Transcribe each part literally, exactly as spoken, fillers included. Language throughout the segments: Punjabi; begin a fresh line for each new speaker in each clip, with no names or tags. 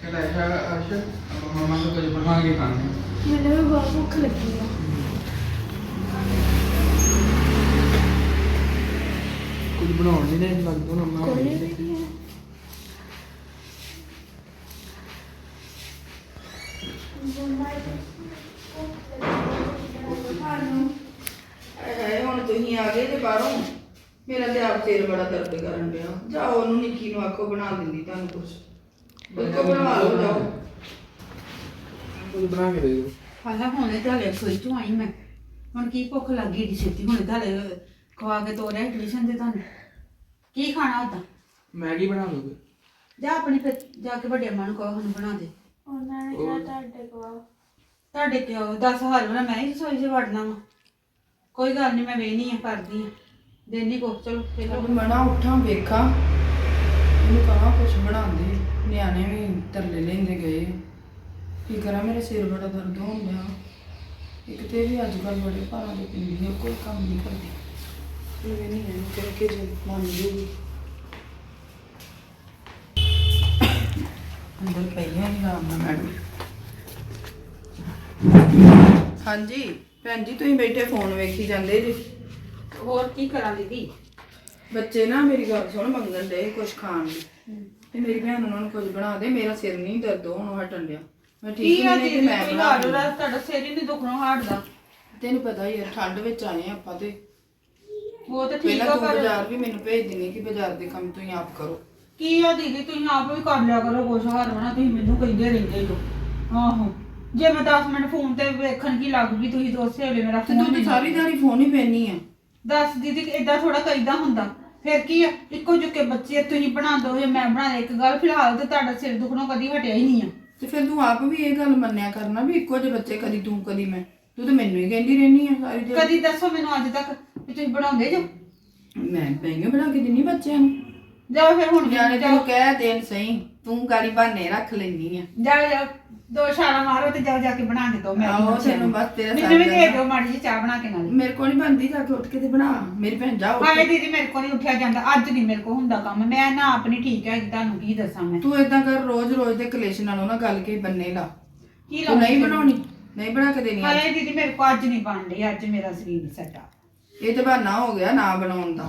ऐसा अर्श मम्मा को कुछ बना के खाने
मैंने भी बहुत भूख लगी है।
कुछ बनाने नहीं लगता मम्मा
कोई नहीं है।
ਹੈ ਹੁਣ ਤੁਸੀਂ ਆ ਗਏ ਤੇ ਬਾਹਰੋਂ ਮੇਰਾ ਤੇ ਆਪ ਸਿਰ ਬੜਾ ਦਰਦ ਕਰਨ ਡਿਆ। ਜਾਓ ਉਹਨੂੰ ਨਿੱਕੀ ਨੂੰ ਆਖੋ ਬਣਾ ਦਿੰਦੀ ਤੁਹਾਨੂੰ ਕੁਛ ਬਿਲਕੁਲ ਬਣਵਾ ਲਓ ਜਾਓ।
कुछ बना के दे दो
ਹਾਲਾ ਹੁਣੇ ਤੁਹਾਡੇ ਰਸੋਈ ਚੋਂ ਆਈ ਮੈਂ ਹੁਣ ਕੀ ਭੁੱਖ ਲੱਗੀ ਏਡੀ ਛੇਤੀ ਹੁਣੇ ਤੁਹਾਡੇ ਖਵਾ ਕੇ ਤੋਰਿਆ ਟਿਊਸ਼ਨ ਤੇ ਤੁਹਾਨੂੰ ਕੀ ਖਾਣਾ ਹੁੰਦਾ
मैगी बना दोगे
ਜਾ ਆਪਣੀ ਫਿਰ ਜਾ ਕੇ ਵੱਡੇ ਮਾਂ ਨੂੰ ਕਹੋ ਸਾਨੂੰ ਬਣਾ ਦੇ
ਉਹਨਾਂ ਨੇ ਕਿਹਾ ਤੁਹਾਡੇ ਕੋਲ
ਤੁਹਾਡੇ ਕਿਉਂ ਦਸ ਹਾਲ ਹੋਣਾ ਮੈਂ ਹੀ ਰਸੋਈ 'ਚ ਵੜਨਾ ਵਾ ਕੋਈ ਗੱਲ ਨਹੀਂ ਮੈਂ ਵੇਹਨੀ ਆ ਕਰਦੀ ਆ ਦੇਣੀ ਕੋ ਚਲੋ ਪਹਿਲਾਂ
ਹੁਣ ਮਣਾ ਉੱਠਾਂ ਵੇਖਾਂ ਇਹਨੂੰ ਕਹਾਂ ਕੁਛ ਬਣਾ ਦੇ। ਨਿਆਣੇ ਵੀ ਤਰਲੇ ਲੈਂਦੇ ਗਏ। ਕੀ ਕਰਾਂ ਮੇਰਾ ਸਿਰ ਬੜਾ ਦਰਦ ਹੋਣ ਡਿਆ। ਇੱਕ ਤੇ ਇਹ ਵੀ ਅੱਜ ਕੱਲ੍ਹ ਬੜੇ ਭਾਰਾਂ ਦੇ ਪਿੰਦੀ ਹੈ ਕੋਈ ਕੰਮ ਨਹੀਂ ਕਰਦੀ। ਇਹ ਨਹੀਂ ਇਹਨੂੰ ਕਹਿ ਕੇ ਜੇ ਮੰਨ ਜੂਗੀ ਅੰਦਰ ਪਈਆਂ ਨਹੀਂ ਆਰਾਮ ਨਾਲ ਮੈਡਮ। ਹਾਂਜੀ ਭੈਣ ਜੀ ਤੁਸੀਂ ਬੈਠੇ ਫੋਨ ਵੇਖੀ ਜਾਂਦੇ ਜੀ।
ਹੋਰ ਕੀ ਕਰਾਂ ਦੀਦੀ
ਬੱਚੇ ਨਾ ਮੇਰੀ ਗੱਲ ਸੁਣ ਮੰਗਣ ਦੇ ਕੁਝ ਖਾਣ ਲਈ ਤੇ ਮੇਰੀ ਭੈਣ ਉਹਨਾਂ ਨੂੰ ਕੁਝ ਬਣਾ ਦੇ। ਮੇਰਾ ਸਿਰ ਨਹੀਂ ਦਰਦ ਹੋਣ ਹਟਣ ਡਿਆ। ਮੈਂ ਠੀਕ
ਕੀ ਆ
ਨਹੀਂ ਤੇ
ਦੀਦੀ
ਮੈਂ
ਕੋਈ
ਬਣਾ
ਹਾਲ
ਦਿੰਦੀ।
ਹੋਣਾ ਤੁਹਾਡਾ ਸਿਰ ਹੀ ਨਹੀਂ ਦੁਖਣੋਂ ਹਟਦਾ
ਤੈਨੂੰ ਪਤਾ ਹੀ ਹੈ ਠੰਡ ਵਿੱਚ ਆਏ ਆਪਾਂ ਤੇ
ਉਹ ਤਾਂ ਠੀਕ
ਪਹਿਲਾਂ
ਆ
ਤੂੰ
ਪਰ
ਬਾਜ਼ਾਰ ਵੀ ਮੈਨੂੰ ਭੇਜ ਦਿੰਦੀ ਕਿ ਬਾਜ਼ਾਰ ਦੇ ਕੰਮ ਤੁਸੀਂ ਆਪ ਕਰੋ।
ਕੀ ਆ ਦੀਦੀ ਤੁਸੀਂ ਆਪ ਵੀ ਕਰ ਲਿਆ ਕਰੋ ਕੁਛ ਹਾਰ ਹੋਣਾ ਤੁਸੀਂ ਮੈਨੂੰ ਕਹਿੰਦੇ ਰਹਿੰਦੇ ਹੋ ਆਹੋ ਜੇ ਮੈਂ ਦਸ ਮਿੰਟ ਫੋਨ ਤੇ ਵੇਖਣ ਕੀ ਲੱਗ ਗਈ ਤੁਸੀਂ ਦੋਸੇ ਵੇਲੇ ਮੇਰਾ
ਤੇ ਤੂੰ
ਫੋਨ
ਤੇ ਸਾਰੀ ਦਿਹਾੜੀ ਫੋਨ ਹੀ ਪੈਣੀ ਆ।
ਦੱਸ ਦੀਦੀ ਏਦਾਂ ਥੋੜਾ ਕਰੀਦਾ ਹੁੰਦਾ ਫਿਰ ਕੀ ਆ ਇੱਕੋ ਜੁਕੇ ਬੱਚੇ ਤੁਸੀਂ ਬਣਾ ਦੋ ਜਾਂ ਮੈਂ ਬਣਾ ਦੇ ਇੱਕ ਗੱਲ ਫਿਲਹਾਲ ਤੇ ਤੁਹਾਡਾ ਸਿਰ ਦੁਖਣੋਂ ਕਦੀ ਹਟਿਆ ਹੀ ਨਹੀਂ ਆ
ਤੇ ਫਿਰ ਤੂੰ ਆਪ ਵੀ ਇਹ ਗੱਲ ਮੰਨਿਆ ਕਰਨਾ ਵੀ ਇੱਕੋ ਜਿਹੇ ਬੱਚੇ ਕਦੀ ਤੂੰ ਕਦੀ ਮੈਂ। ਤੂੰ ਤੇ ਮੈਨੂੰ ਹੀ ਕਹਿੰਦੀ ਰਹਿਨੀ ਆ ਸਾਰੀ ਦਿਹਾੜੀ।
ਕਦੀ ਦੱਸੋ ਮੈਨੂੰ ਅੱਜ ਤੱਕ ਵੀ ਤੁਸੀਂ ਬਣਾਉਂਦੇ ਜੋ
ਮੈਂ ਪੈਂਗੇ ਬਣਾ ਕੇ ਦਿੰਨੀ ਬੱਚਿਆਂ ਨੂੰ।
ਜਾਓ ਫਿਰ ਹੁਣ
ਜਾਣੇ ਤੈਨੂੰ ਕਹਿ ਦੇਣ ਸਹੀ ਤੂੰ ਗਾੜੀ ਬਹਾਨੇ ਰੱਖ ਲੈਂਦੀ ਆ।
ਜਾਓ ਜਾਓ ਦੋ ਛਾਲਾਂ ਮਾਰੋ ਤੇ ਜਾਓ ਜਾ ਕੇ ਬਣਾ ਕੇ ਦੋ ਮੈਂ
ਆਹੋ ਤੈਨੂੰ ਬਸ ਤੇਰਾ
ਮੈਨੂੰ ਵੀ
ਸਾਥ
ਦੇ
ਦੇਣਾ।
ਦਿਓ ਮਾੜੀ ਜਿਹੀ ਚਾਹ ਬਣਾ ਕੇ ਨਾਲ
ਮੇਰੇ ਕੋਲ ਨਹੀਂ ਬਣਦੀ ਜਾ ਕੇ ਉੱਠ ਕੇ ਤੇ ਬਣਾ। ਮੇਰੀ ਭੈਣ ਜਾ ਉੱਠ
ਹਾਏ
ਕੇ।
ਦੀਦੀ ਮੇਰੇ ਕੋਲ ਨਹੀਂ ਉੱਠਿਆ ਜਾਂਦਾ ਅੱਜ ਨਹੀਂ ਮੇਰੇ ਕੋਲ ਹੁੰਦਾ ਕੰਮ ਮੈਂ ਨਾ ਆਪਣੀ ਠੀਕ ਹੈ ਤੁਹਾਨੂੰ ਕੀ ਦੱਸਾਂ ਮੈਂ
ਤੂੰ ਏਦਾਂ ਕਰ ਰੋਜ਼ ਰੋਜ਼ ਦੇ ਕਲੇਸ਼ ਨਾਲੋਂ ਨਾ ਗੱਲ ਕੇ ਬੰਨੇ ਲਾ।
ਕੀ
ਤੂੰ ਨਹੀਂ ਬਣਾਉਣੀ ਨਹੀਂ ਬਣਾ ਕੇ ਦੇਣੀ ਅੱਜ।
ਹਾਏ ਦੀਦੀ ਮੇਰੇ ਕੋਲ ਅੱਜ ਨਹੀਂ ਬਣ ਰਹੀ ਅੱਜ ਮੇਰਾ ਸਰੀਰ ਸੱਟਾ
ਇਹ ਤੇ ਬਹਾਨਾ ਹੋ ਗਿਆ ਨਾ ਬਣਾਉਣ ਦਾ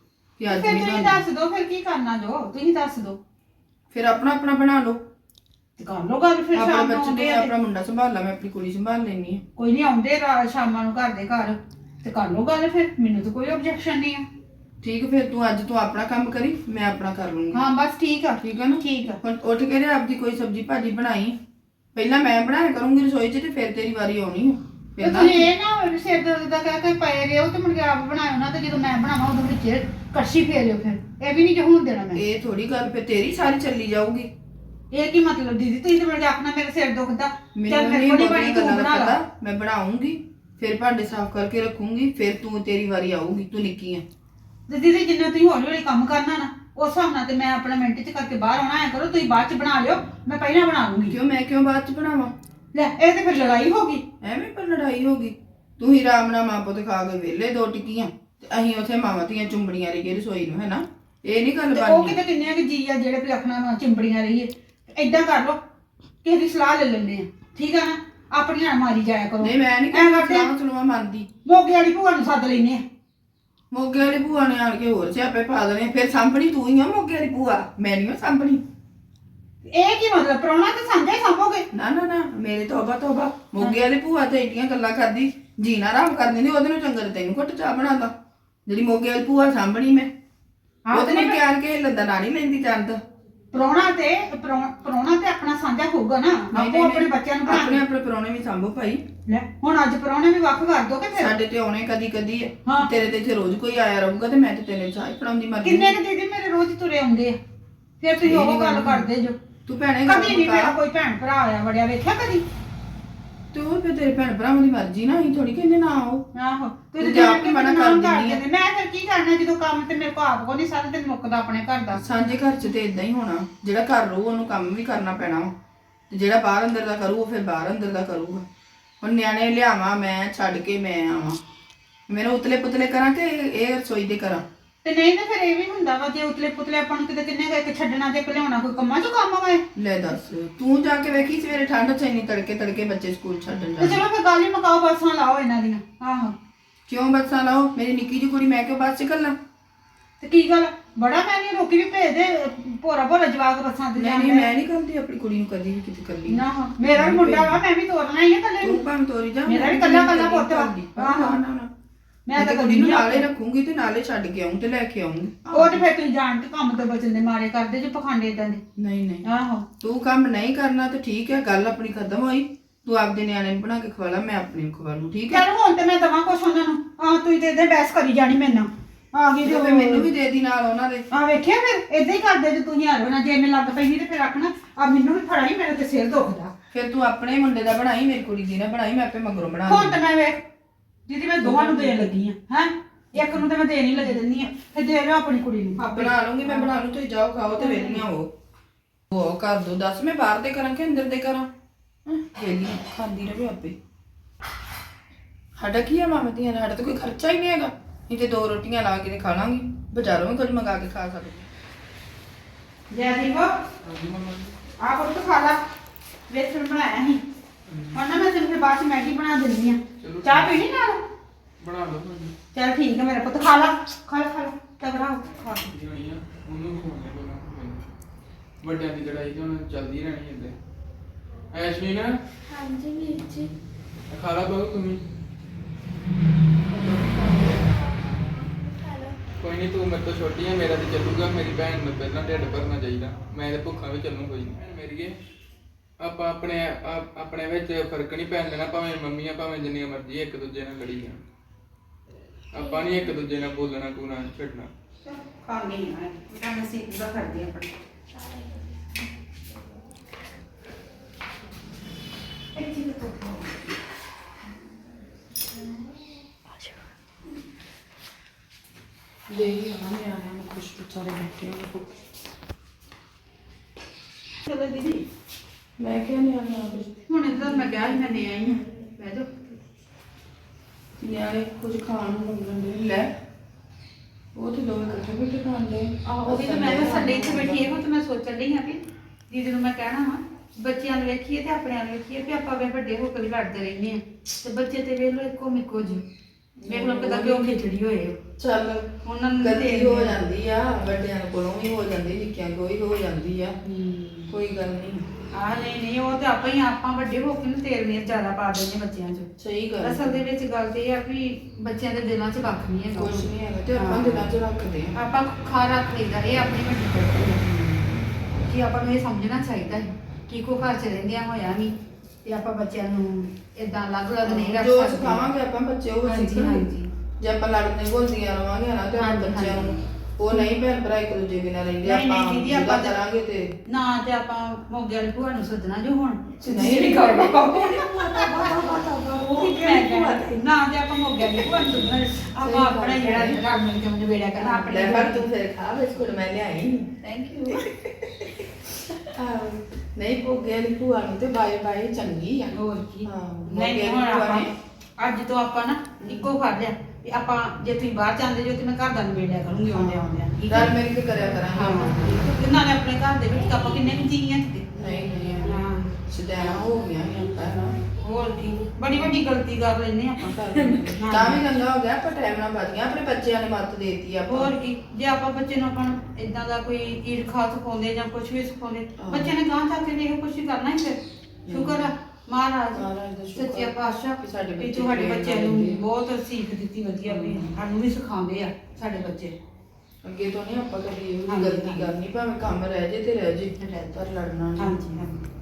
ਕਿ ਅੱਜ
ਫਿਰ
ਨਹੀਂ
ਤੁਸੀਂ
ਬਣਦੀ।
ਦੱਸ ਦਿਓ ਫਿਰ ਕੀ ਕਰਨਾ ਜੋ ਤੁਸੀਂ ਦੱਸ ਦਿਓ
ਫਿਰ ਆਪਣਾ ਆਪਣਾ ਬਣਾ ਲਓ।
ਤੇ ਕਰ ਲਓ ਗੱਲ ਫਿਰ
ਆਪਣਾ
ਸ਼ਾਮ ਨੂੰ
ਬੱਚੇ
ਆਉਂਦੇ
ਤੇ
ਆ
ਆਪਣਾ ਮੁੰਡਾ ਸੰਭਾਲ ਲਾ ਮੈਂ ਆਪਣੀ ਕੁੜੀ ਸੰਭਾਲ ਲੈਣੀ ਆ।
ਕੋਈ ਨਹੀਂ ਆਉਂਦੇ ਰਾ- ਸ਼ਾਮਾਂ ਨੂੰ ਘਰ ਦੇ ਘਰ ਤੇ ਕਰ ਲਓ ਗੱਲ ਫਿਰ ਮੈਨੂੰ ਤਾਂ ਕੋਈ ਆਬਜੈਕਸ਼ਨ ਨਹੀਂ ਆ
ਠੀਕ ਫਿਰ ਤੂੰ ਅੱਜ ਤੂੰ ਆਪਣਾ ਕੰਮ ਕਰੀ ਮੈਂ ਆਪਣਾ ਕਰ ਲੂੰਗੀ।
ਹਾਂ ਬਸ ਠੀਕ ਆ
ਠੀਕ ਆ ਨਾ
ਠੀਕ ਆ
ਹੁਣ ਉੱਠ ਕੇ ਤੇ ਆਪਦੀ ਕੋਈ ਸਬਜ਼ੀ ਭਾਜੀ ਬਣਾਈ। ਪਹਿਲਾਂ ਮੈਂ ਬਣਾਇਆ ਕਰੂੰਗੀ ਰਸੋਈ 'ਚ ਤੇ ਫਿਰ ਤੇਰੀ ਵਾਰੀ ਆਉਣੀ ਆ।
ਤੇ
ਫਿਰ ਨਾ
ਤੁਸੀਂ ਇਹ ਨਾ ਹੋਵੇ ਵੀ ਸਿਰ ਦਰਦ ਦਾ ਕਹਿ ਕੇ ਪਏ ਰਿਓ ਤੇ ਮੁੜ ਕੇ ਆਪ ਬਣਾਇਓ ਨਾ ਤੇ ਜਦੋਂ ਮੈਂ ਬਣਾਵਾਂ ਉਦੋਂ ਵਿੱਚ ਕੜਛੀ ਫੇਰਿਓ ਫਿਰ ਇਹ ਵੀ ਨਹੀਂ ਜੇ ਹੋਣ ਦੇਣਾ ਮੈਂ
ਇਹ ਥੋੜੀ ਗੱਲ ਫਿਰ ਤੇਰੀ ਸਾਰੀ ਚੱਲੀ ਜਾਊਗੀ।
ਇਹ ਕੀ ਮਤਲਬ ਦੀਦੀ ਤੁਸੀਂ ਤੇ ਮੇਰੇ ਆਖਣਾ ਮੇਰਾ ਸਿਰ ਦੁਖਦਾ ਚੱਲ
ਮੈਨੂੰ
ਮੇਰੇ
ਨਹੀਂ
ਕੋਲ ਹੀ
ਬਣੀ
ਬਣੀ ਤੂੰ
ਗੱਲਾਂ ਦਾ
ਬਣਾ ਲਾ
ਪਤਾ। ਮੈਂ ਬਣਾਉਂਗੀ ਫਿਰ ਭਾਂਡੇ ਸਾਫ਼ ਕਰਕੇ ਰੱਖੂੰਗੀ ਫਿਰ ਤੂੰ ਤੇਰੀ ਵਾਰੀ ਆਊਗੀ। ਤੂੰ ਨਿੱਕੀ ਆ।
ਤੇ ਦੀਦੀ ਜਿੰਨਾ ਤੁਸੀਂ ਹੌਲੀ ਹੌਲੀ ਕੰਮ ਕਰਨਾ ਨਾ ਉਸ ਹਿਸਾਬ ਨਾਲ ਤੇ ਮੈਂ ਆਪਣਾ ਮਿੰਟ ਚ ਕਰਕੇ ਬਾਹਰ ਆਉਣਾ ਐ ਕਰੋ ਤੁਸੀਂ ਬਾਅਦ ਚ ਬਣਾ ਲਿਓ ਮੈਂ ਪਹਿਲਾਂ ਬਣਾ ਲੂੰਗੀ
ਕਿਉਂ ਮੈਂ ਕਿਉਂ ਬਾਅਦ 'ਚ ਬਣਾਵਾਂ?
ਲੈ ਇਹ ਤੇ ਫਿਰ ਲੜਾਈ ਹੋ ਗਈ
ਐਵੇਂ ਪਰ ਲੜਾਈ ਹੋ ਗਈ। ਤੂੰ ਹੀ ਆਰਾਮ ਨਾਲ ਮਾਂ ਪੁੱਤ ਖਾ ਕੇ ਵਿਹਲੇ ਦੋ ਟਿੱਕੀਆਂ ਤੇ ਅਸੀਂ ਉੱਥੇ ਮਾਵਾਂ ਧੀਆਂ ਚੁੰਬੜੀਆਂ ਰਹੀਏ ਰਸੋਈ ਨੂੰ ਹੈਨਾ। ਇਹ ਨਹੀਂ ਗੱਲ
ਤੇ ਉਹ
ਬਣਨੀ।
ਕਿਤੇ ਕਿੰਨੇ ਕਿ ਜੀ ਆ ਜਿਹੜੇ ਵੀ ਆਪਣਾ ਚਿੰਬੜੀਆਂ ਰਹੀਏ ਏਦਾਂ ਕਰ ਲਓ ਕਿਸੇ ਦੀ ਸਲਾਹ ਲੈ ਲੈਂਦੇ ਆ ਠੀਕ ਆ ਨਾ ਆਪਣੀਆਂ ਮਾਰੀ ਜਾਇਆ ਕਰੋ
ਨਹੀਂ ਮੈਂ ਨਹੀਂ
ਐਂ
ਕਹਿੰਦਾ
ਕਰਦੇ ਆ,
ਸਲਾਹ ਸਲੂਹਾਂ ਮੰਨਦੀ।
ਮੋਗੇ ਵਾਲੀ ਭੂਆ ਨੂੰ ਸੱਦ ਲੈਨੇ ਆ
ਮੋਗੇ ਵਾਲੀ ਭੂਆ ਨੇ ਆਣ ਕੇ ਹੋਰ ਸਿਆਪੇ ਪਾ ਦੇਣੇ। ਫਿਰ ਸਾਂਭਣੀ ਤੂੰ ਹੀ ਆ ਮੋਗੇ ਵਾਲੀ ਭੂਆ ਮੈਂ ਨਹੀਂ ਸਾਂਭਣੀ।
ਇਹ ਕੀ ਮਤਲਬ ਪ੍ਰਾਹੁਣਾ ਤੇ ਸਾਂਝਾ ਹੀ ਸਾਂਭੋਗੇ
ਨਾ ਨਾ ਨਾ ਮੇਰੇ ਤੋਬਾ ਤੋਬਾ। ਮੋਗੇ ਵਾਲੀ ਭੂਆ ਤੇ ਏਡੀਆਂ ਗੱਲਾਂ ਕਰਦੀ ਜੀਣਾ ਆਰਾਮ ਕਰ ਦਿੰਦੀ। ਉਹਦੇ ਨੂੰ ਚੰਗਾ ਤੇ ਤੈਨੂੰ ਘੁੱਟ ਚਾਹ ਬਣਾਦਾ ਜਿਹੜੀ ਮੋਗੇ ਵਾਲੀ ਭੂਆ ਸਾਂਭਣੀ ਮੈਂ। ਉਹਦੇ ਨਾਲ ਪਿਆਰ ਕੇ ਲੱਦਾ ਨਾ ਨਹੀਂ ਲੈਂਦੀ ਚੰਦ।
ਪ੍ਰਾਹੁਣਾ ਤੇ ਪ੍ਰਾਹੁ- ਪ੍ਰਾਹੁਣਾ ਤੇ ਆਪਣਾ ਸਾਂਝਾ ਹੋਊਗਾ ਨਾ ਆਪੋ ਆਪਣੇ ਬੱਚਿਆਂ ਨੂੰ
ਆਪਣੇ
ਬਣਾ
ਆਪਣੇ ਪਰੌਣੇ ਵੀ ਸਾਂਭੋ ਭਾਈ।
ਲੈ ਹੁਣ ਅੱਜ ਪ੍ਰਾਹੁਣੇ ਵੀ ਵੱਖ ਕਰ ਦੋਗੇ ਫਿਰ
ਸਾਡੇ ਤੇ ਆਉਣੇ ਕਦੀ ਕਦੀ ਹੈ।
ਹਾਂ।
ਤੇਰੇ ਤੇ ਇੱਥੇ ਰੋਜ਼ ਕੋਈ ਆਇਆ ਰਹੂਗਾ ਤੇ ਮੈਂ ਤੇ ਤੇਰੇ ਚਾਹ ਪੜਾਉਂਦੀ ਮਰ
ਕਿੰਨੇ ਕੁ ਦੀਦੀ ਮੇਰੇ ਰੋਜ਼ ਤੁਰੇ ਆਉਂਦੇ ਆ ਫਿਰ ਤੁਸੀਂ ਉਹ ਗੱਲ ਕਰਦੇ ਜੋ
ਤੂੰ ਭੈਣੇ
ਕਦੀ ਨਹੀਂ ਮੇਰਾ
ਗੱਲ
ਕੋਈ ਭੈਣ ਭਰਾ ਆਇਆ ਵੜਿਆ ਵੇਖਿਆ ਕਦੀ
ਤੂੰ ਫਿਰ ਤੇਰੇ ਭੈਣ ਭਰਾਵਾਂ ਦੀ ਮਰਜ਼ੀ ਨਾ ਅਸੀਂ ਥੋੜੀ ਕਹਿੰਦੇ ਨਾ ਆਓ।
ਆਹੋ
ਤੂੰ
ਤੁਸੀਂ
ਜਾ
ਜਾਣ
ਕੇ
ਕੇ
ਮਨਾ
ਮਨਾ
ਕਰ
ਕਰ
ਦਿੰਦੀ ਆ।
ਦਿੰਦੇ ਮੈਂ ਫਿਰ ਕੀ ਕਰਨਾ ਜਦੋਂ ਕੰਮ ਤੇ ਮੇਰੇ ਕੋ ਆਪ ਕੋ ਨਹੀਂ ਸਾਰਾ ਦਿਨ ਮੁੱਕਦਾ ਆਪਣੇ ਘਰ ਦਾ
ਸਾਂਝੇ ਘਰ 'ਚ ਤੇ ਇਦਾਂ ਹੀ ਹੋਣਾ। ਜਿਹੜਾ ਘਰ ਰਹੂ ਉਹਨੂੰ ਕੰਮ ਵੀ ਕਰਨਾ ਪੈਣਾ ਵਾ ਤੇ ਜਿਹੜਾ ਬਾਹਰ ਅੰਦਰ ਦਾ ਕਰੂ ਉਹ ਫਿਰ ਬਾਹਰ ਅੰਦਰ ਦਾ ਕਰੂਗਾ। ਹੁਣ ਨਿਆਣੇ ਲਿਆਵਾਂ ਮੈਂ ਛੱਡ ਕੇ ਮੈਂ ਆਵਾਂ ਮੈਨੂੰ ਉਤਲੇ ਪੁਤਲੇ ਕਰਾਂ ਕਿ ਇਹ ਰਸੋਈ ਦੇ ਕਰਾਂ?
ਤੇ ਨਹੀਂ ਤੇ ਫਿਰ ਇਹ ਵੀ ਹੁੰਦਾ ਵਾ ਜੇ ਉਤਲੇ ਪੁਤਲੇ ਆਪਾਂ ਨੂੰ ਕਿਤੇ ਕਿੰਨੇ ਕੁ ਇੱਕ ਛੱਡਣਾ ਤੇ ਇੱਕ ਲਿਆਉਣਾ ਕੋਈ ਕੰਮਾਂ ਚੋਂ ਕੰਮ ਆਵੇ
ਲੈ ਦੱਸ ਤੂੰ ਜਾ ਕੇ ਵੇਖੀ ਸਵੇਰੇ ਠੰਡ ਚ ਇੰਨੀ ਤੜਕੇ ਤੜਕੇ ਬੱਚੇ ਸਕੂਲ ਛੱਡਣ
ਤੇ
ਜਾਂਦੇ
ਚਲੋ ਫਿਰ ਗੱਲ ਹੀ ਮੁਕਾਓ ਬੱਸਾਂ ਲਾਓ ਇਹਨਾਂ ਦੀਆਂ ਆਹੋ
ਕਿਉਂ ਬੱਸਾਂ ਲਾਓ ਮੇਰੀ ਨਿੱਕੀ ਜਿਹੀ ਕੁੜੀ ਮੈਂ ਕਿਉਂ ਬੱਸ ਚ ਕੱਲਾ
ਤੇ ਕੀ ਗੱਲ ਬੜਾ ਮੈਂ ਨਹੀਂ ਰੋਕੀ ਵੀ ਭੇਜ ਦੇ ਭੋਰਾ ਭੋਰਾ ਜਵਾਕ ਬੱਸਾਂ ਤੇ
ਨਹੀਂ ਨਹੀਂ ਮੈਂ ਨਹੀਂ ਕਰਦੀ ਆਪਣੀ ਕੁੜੀ ਨੂੰ ਕਦੀ ਵੀ ਕਿਤੇ ਕੱਲੀ
ਨਾ ਮੇਰਾ ਵੀ ਮੁੰਡਾ ਵਾ ਮੈਂ ਵੀ ਤੋਰਨਾ ਹੀ ਆ ਕੱਲੇ
ਤੂੰ
ਨੂੰ
ਭਾਵੇਂ ਤੋਰੀ ਜਾ
ਮੇਰਾ ਵੀ ਕੱਲਾ ਕੱਲਾ ਪੁੱਤ ਵਾ
ਹਾਂ ਹਾਂ ਨਾ ਨਾ
ਮੈਂ ਤਾਂ
ਕੁੜੀ ਨੂੰ
ਕਦੀ
ਨਾਲੇ ਰੱਖੂੰਗੀ ਤੇ ਨਾਲੇ ਛੱਡ ਕੇ ਆਉਂ ਤੇ ਲੈ ਕੇ ਆਉਂਗੀ
ਉਹ ਤੇ ਫਿਰ ਤੁਸੀਂ ਜਾਣ ਕੇ ਕੰਮ ਤੋਂ ਬਚਣ ਦੇ ਮਾਰੇ ਕਰਦੇ ਜੇ ਪਖੰਡ ਏਦਾਂ ਦੇ
ਨਹੀਂ ਨਹੀਂ
ਆਹੋ
ਤੂੰ ਕੰਮ ਨਹੀਂ ਕਰਨਾ ਤੇ ਠੀਕ ਹੈ ਗੱਲ ਆਪਣੀ ਖਤਮ ਹੋਈ ਤੂੰ ਆਪਦੇ ਨਿਆਣੇ ਨੂੰ ਬਣਾ ਕੇ ਖਵਾ ਲਾ ਮੈਂ ਆਪਣੇ ਨੂੰ ਖਵਾ ਲੂੰ ਠੀਕ ਹੈ
ਚੱਲ ਹੁਣ ਤੇ ਮੈਂ ਦਵਾਂ ਕੁਛ ਉਹਨਾਂ ਨੂੰ ਆਹ ਤੁਸੀਂ ਤੇ ਇਹਦੇ ਬਹਿਸ ਕਰੀ ਜਾਣੀ ਮੇਰੇ ਨਾਲ ਆ ਗਈ
ਤੇ ਫਿਰ ਮੈਨੂੰ ਵੀ ਦੇ ਦੀ ਨਾਲ ਉਹਨਾਂ ਦੇ
ਆ ਵੇਖਿਆ ਫਿਰ ਏਦਾਂ ਹੀ ਕਰਦੇ ਜੇ ਤੁਸੀਂ ਹਾਰ ਬਣਾ ਜੇ ਮੈਂ ਲੱਗ ਪਈ ਨਹੀਂ ਤੇ ਫਿਰ ਆਖਣਾ ਆ ਮੈਨੂੰ ਵੀ ਫੜਾਈ ਮੇਰੇ ਤੇ ਸਿਰ ਦੁਖਦਾ
ਫਿਰ ਤੂੰ ਆਪਣੇ ਮੁੰਡੇ ਦਾ ਬਣਾਈ ਮੇਰੀ ਕੁੜੀ ਦੀ ਨਾ ਬਣਾਈ ਮੈਂ ਆਪੇ ਮਗਰੋਂ ਬਣਾ
ਹੁਣ
ਲੂੰ
ਤੇ ਮੈਂ ਵੇਖ ਜਿਹਦੀ ਮੈਂ ਦੋਵਾਂ ਨੂੰ ਦੇਣ ਲੱਗੀ ਆ ਹੈ ਇੱਕ ਨੂੰ ਤੇ ਮੈਂ ਦੇਣ ਹੀ ਲੱਗੇ ਦਿੰਦੀ ਆ ਫਿਰ ਦੇ ਲਿਓ ਆਪਣੀ ਕੁੜੀ ਨੂੰ
ਆਪੇ ਬਣਾ ਲੂੰਗੀ ਮੈਂ ਬਣਾ ਲੂੰ ਤੁਸੀਂ ਜਾਓ ਖਾਓ ਤੇ ਵੇਲੀਆਂ ਹੋ ਉਹ ਕਰ ਦੋ ਦੱਸ ਮੈਂ ਬਾਹਰ ਦੇ ਕਰਾਂ ਕਿ ਅੰਦਰ ਦੇ ਕਰਾਂ ਵੇਲੀਆਂ ਖਾਂਦੀ ਰਹੇ ਆਪੇ ਸਾਡਾ ਕੀ ਆ ਮਾਮੇ ਦੀਆਂ ਸਾਡਾ ਤਾਂ ਕੋਈ ਖਰਚਾ ਹੀ ਨਹੀਂ ਹੈਗਾ ਨਹੀਂ ਤੇ ਦੋ ਰੋਟੀਆਂ ਲਾ ਕੇ ਤੇ ਖਾ ਲਾਂਗੀ ਬਾਜ਼ਾਰੋਂ ਵੀ ਕੁਝ ਮੰਗਾ ਕੇ ਖਾ ਸਕਦੀ
ਜੈ ਦੀਪ
ਹਾਂਜੀ ਮੰਮਾ ਜੀ।
ਆ ਕੁਝ ਖਾ ਲਾ ਵੇਸਣ ਬਣਾਇਆ ਸੀ ਹੁਣ ਨਾ ਮੈਂ ਤੈਨੂੰ ਫਿਰ ਬਾਅਦ ਚ ਮੈਗੀ ਬਣਾ ਦਿੰਦੀ ਆ
ਚਲੋ।
ਚਾਹ ਪੀਣੀ ਨਾਲ
ਬਣਾ ਲਓ ਭਾਜੀ
ਚੱਲ ਠੀਕ ਹੈ ਮੇਰਾ ਪੁੱਤ ਖਾ ਲਾ ਖਾ ਲਾ ਖਾ ਲਾ ਤਗੜਾ ਹੋ ਖਾ
ਜੀ ਆਈਆਂ ਉਹਨੂੰ ਖਵਾਉਣੇ ਪਹਿਲਾਂ ਮੈਨੂੰ। ਵੱਡਿਆਂ ਦੀ ਲੜਾਈ ਤੇ ਹੁਣ ਚੱਲਦੀ ਰਹਿਣੀ ਇੱਦਾਂ ਐਸ਼ਮੀ ਨਾ
ਹਾਂਜੀ ਵੀਰ ਜੀ
ਖਾ ਲਾ ਬਹੁ ਤੁਸੀਂ
ਹੈਲੋ
ਕੋਈ ਨਹੀਂ ਤੂੰ ਮੇਰੇ ਤੋਂ ਛੋਟੀ ਹੈ ਮੇਰਾ ਤੇ ਚੱਲੂਗਾ ਮੇਰੀ ਭੈਣ ਨੂੰ ਪਹਿਲਾਂ ਢਿੱਡ ਭਰਨਾ ਚਾਹੀਦਾ ਮੈਂ ਤੇ ਭੁੱਖਾ ਵੀ ਚੱਲੂ ਕੋਈ ਨਹੀਂ ਮੇਰੀਏ ਆਪਾਂ ਆਪਣੇ ਆਪ- ਆਪਣੇ ਵਿੱਚ ਫਰਕ ਨਹੀਂ ਪੈਣ ਦੇਣਾ ਭਾਵੇਂ ਮੰਮੀਆਂ ਭਾਵੇਂ ਜਿੰਨੀਆਂ ਮਰਜ਼ੀ ਇੱਕ ਦੂਜੇ ਨਾਲ ਲੜੀ ਜਾਣ ਆਪਾਂ ਨਹੀਂ ਇੱਕ ਦੂਜੇ ਨਾਲ ਬੋਲਣਾ ਕੋਣਾ ਛੱਡਣਾ
ਖਾਣੀ ਹੈ ਮੈਂ ਨਸੀਬ ਦਾ ਕਰਦੀ ਆਪਣੀ ਇੱਕ ਚੀਜ਼ ਤੋਂ
ਦੇ ਹੀ ਆ ਨਿਆਣਿਆਂ ਨੂੰ ਕੁਛ ਵਿਚਾਰੇ ਬੈਠੇ ਹੋਏ ਭੁੱਖੇ।
ਚਲੋ ਦੀਦੀ
ਮੈਂ ਕਿਹਾ ਨਿਆਣਿਆਂ ਨੂੰ
ਹੁਣ ਇੱਧਰ ਮੈਂ ਕਿਹਾ ਸੀ ਮੈਂ ਦੇ ਆਈ ਹਾਂ ਬਹਿ ਜਾਓ
ਨਿਆਣੇ ਕੁਝ ਖਾਣ ਨੂੰ ਮੰਗਣ ਦੇ ਲੈ ਉਹ ਤੇ ਦੋਵੇਂ ਇਕੱਠੇ ਬੈਠੇ ਖਾਣ ਦੇ
ਉਹ ਵੀ ਤਾਂ ਮੈਂ ਕਿਹਾ ਸੰਡੇ ਇੱਥੇ ਬੈਠੀ ਇਹੋ ਤੇ ਮੈਂ ਸੋਚਣ ਲਈ ਹਾਂ ਵੀ ਦੀਦੀ ਨੂੰ ਮੈਂ ਕਹਿਣਾ ਵਾ ਬੱਚਿਆਂ ਨੂੰ ਵੇਖੀਏ ਤੇ ਆਪਣਿਆਂ ਨੂੰ ਵੇਖੀਏ ਕਿ ਆਪਾਂ ਵੇ ਵੱਡੇ ਹੋ ਕੇ ਵੀ ਲੜਦੇ ਰਹਿੰਦੇ ਆ ਤੇ ਬੱਚੇ ਤੇ ਵੇਖ ਲੋ ਇੱਕੋ ਮਿੱਕੋ ਜੀ ਵੇਖ ਲੋ ਕਿਦਾਂ ਕਿਉਂ ਖਿਚੜੀ ਹੋਏ
ਚੱਲ
ਉਹਨਾਂ ਨੂੰ
ਗਲਤੀ ਹੋ ਜਾਂਦੀ ਆ ਵੱਡਿਆਂ ਕੋਲੋਂ ਵੀ ਹੋ ਜਾਂਦੀ ਨਿੱਕਿਆਂ ਕੋਲੋਂ ਵੀ ਹੋ ਜਾਂਦੀ ਆ ਕੋਈ ਗੱਲ ਨਹੀਂ
ਆ ਨਹੀਂ ਨਹੀਂ ਉਹ ਤੇ ਆਪਾਂ ਹੀ ਆਪਾਂ ਵੱਡੇ ਹੋ ਕੇ ਨਾ ਤੇਲ ਨੇ ਜ਼ਿਆਦਾ ਪਾ ਦਿੰਦੇ ਬੱਚਿਆਂ 'ਚ
ਸਹੀ ਗੱਲ
ਅਸਲ ਦੇ ਵਿੱਚ ਗੱਲ ਤੇ ਇਹ ਆ ਵੀ ਬੱਚਿਆਂ ਦੇ ਦਿਲਾਂ 'ਚ ਵੱਖ ਨਹੀਂ ਹੈਗਾ
ਕੁਝ ਨਹੀਂ ਹੈਗਾ ਤੇ ਆਪਾਂ ਦਿਲਾਂ 'ਚ ਰੱਖਦੇ ਆ
ਆਪਾਂ ਖਾ ਰੱਖ ਲਈਦਾ ਇਹ ਆਪਣੀ ਵੱਡੀ ਗਲਤੀ ਹੈ ਕਿ ਆਪਾਂ ਨੂੰ ਇਹ ਸਮਝਣਾ ਚਾਹੀਦਾ ਹੈ ਕਿ ਕੋ ਘਰ 'ਚ ਰਹਿੰਦਿਆਂ ਹੋਇਆ ਨਹੀਂ ਤੇ ਆਪਾਂ ਬੱਚਿਆਂ ਨੂੰ ਇਦਾਂ ਅਲੱਗ-ਅਲੱਗ ਨਹੀਂ ਰੱਖ
ਜੋ
ਸਕਦੇ
ਸਿਖਾਵਾਂਗੇ ਆਪਾਂ ਬੱਚੇ ਉਹ
ਹਾਂਜੀ,
ਸਿੱਖਣਗੇ
ਹਾਂਜੀ।
ਜੇ ਆਪਾਂ ਲੜਦੇ ਘੁਲਦੀਆਂ ਰਵਾਂਗੇ ਨਾ ਤੇ ਆਪਣੇ
ਹਾਂਜੀ,
ਬੱਚਿਆਂ ਨੂੰ
ਹਾਂਜੀ।
ਉਹ ਨਹੀਂ ਭੈਣ ਭਰਾ ਇੱਕ ਦੂਜੇ ਬਿਨਾਂ ਰਹਿੰਦੇ
ਨਹੀਂ, ਨਹੀਂ
ਆਪਾਂ
ਦੀਦੀ,
ਜਿੱਦਾਂ
ਆਪਾਂ ਤਾਂ-
ਕਰਾਂਗੇ ਤੇ
ਨਾ ਤੇ ਆਪਾਂ ਮੋਗੇ ਵਾਲੀ ਭੂਆ ਨੂੰ ਸੱਦਣਾ ਜੋ ਹੁਣ
ਨਹੀਂ, ਨਹੀਂ
ਕਰਨਾ ਨਾ ਤੇ ਆਪਾਂ ਮੋਗੇ ਵਾਲੀ ਭੂਆ ਨੂੰ ਸੱਦਣਾ ਆਪਾਂ ਆਪਣਾ ਹੀ ਜਿਹੜਾ ਰਲ ਮਿਲ ਕੇ ਉਹਨੂੰ ਵੇੜਿਆ ਕਰਨਾ ਆਪਣੇ
ਲੈ ਪਰ ਤੂੰ ਫਿਰ ਖਾ ਬਿਸਕੁਟ ਮੈਂ ਲਿਆਈ
ਥੈਂਕ ਯੂ
ਨਹੀਂ ਭੋਗੇ ਵਾਲੀ ਭੂਆ ਨੂੰ ਤੇ ਬਾਏ ਬਾਏ ਚੰਗੀ ਆ
ਹੋਰ ਕੀ
ਹਾਂ,
ਨਹੀਂ
ਮੋਗੇ
ਹੁਣ
ਵਾਲੀ ਭੂਆ
ਆਪਾਂ
ਨੇ-
ਅੱਜ ਤੋਂ ਆਪਾਂ ਨਾ ਇੱਕੋ ਕਰ ਲਿਆ ਵੀ ਆਪਾਂ ਜੇ ਤੁਸੀਂ ਬਾਹਰ ਜਾਂਦੇ ਜੋ ਤੇ ਮੈਂ ਘਰ ਦਾ ਨੂੰ ਵੇੜਿਆ ਕਰੂੰਗੀ ਆਉਂਦੇ ਆਉਂਦੇ ਠੀਕ
ਰਲ
ਹੈ
ਮਿਲ ਕੇ ਕਰਿਆ ਕਰਾਂਗੇ
ਹਾਂ ਤੇ ਨਾਲੇ ਆਪਣੇ ਘਰ ਦੇ ਵਿੱਚ ਆਪਾਂ ਕਿੰਨੇ ਕੁ ਜੀ ਆ ਤੇ
ਨਹੀਂ ਨਹੀਂ
ਹਾਂ
ਸਿਧਾਣਾ ਹੋ ਗਿਆ ਨਹੀਂ ਆਪਾਂ ਨਾ
ਹੋਰ ਕੀ ਬੜੀ ਵੱਡੀ ਗਲਤੀ ਕਰ ਲੈਨੇ ਆਪਾਂ
ਤਾਂ ਵੀ ਚੰਗਾ ਹੋ ਗਿਆ ਆਪਾਂ ਟਾਈਮ ਨਾਲ ਵੱਧ ਗਿਆ ਆਪਣੇ ਬੱਚਿਆਂ ਨੇ ਮੱਤ ਦੇਤੀ ਆਪਾਂ
ਹੋਰ ਕੀ ਜੇ ਆਪਾਂ ਬੱਚੇ ਨੂੰ ਆਪਾਂ ਇਦਾਂ ਦਾ ਕੋਈ ਈਰਖਾ ਸਿਖਾਉਂਦੇ ਜਾਂ ਕੁਝ ਵੀ ਸਿਖਾਉਂਦੇ
ਹਾਂ।
ਬੱਚੇ ਨੇ ਗਾਂ ਤੱਕ ਇਹ ਕੁਝ ਕਰਨਾ ਹੀ ਫਿਰ ਸ਼ੁਕਰ ਆ ਮਹਾਰਾਜ
ਮਹਾਰਾਜ ਦਾ ਸ਼ੁਕਰ
ਸੱਚੇ ਪਾਤਸ਼ਾਹ
ਕਿ ਸਾਡੇ
ਵੀ
ਬੱਚੇ
ਤੁਹਾਡੇ
ਪ੍ਰੇਰਨਾ
ਬੱਚਿਆਂ ਨੂੰ
ਦਿੰਦੇ ਆ।
ਬਹੁਤ ਸੀਖ ਦਿੱਤੀ ਵਧੀਆ ਵੀ ਸਾਨੂੰ ਵੀ ਸਿਖਾਉਂਦੇ ਆ ਸਾਡੇ ਬੱਚੇ
ਅੱਗੇ ਤੋਂ ਨਹੀਂ ਆਪਾਂ ਕਦੀ ਇਹ
ਹਾਂਜੀ,
ਗਲਤੀ
ਹਾਂਜੀ।
ਕਰਨੀ ਭਾਵੇਂ ਕੰਮ ਰਹਿ ਜੇ ਤੇ ਰਹਿ ਜੇ
ਰਹਿ ਜੇ।
ਪਰ ਲੜਨਾ ਨਹੀਂ
ਹਾਂਜੀ ਹਾਂਜੀ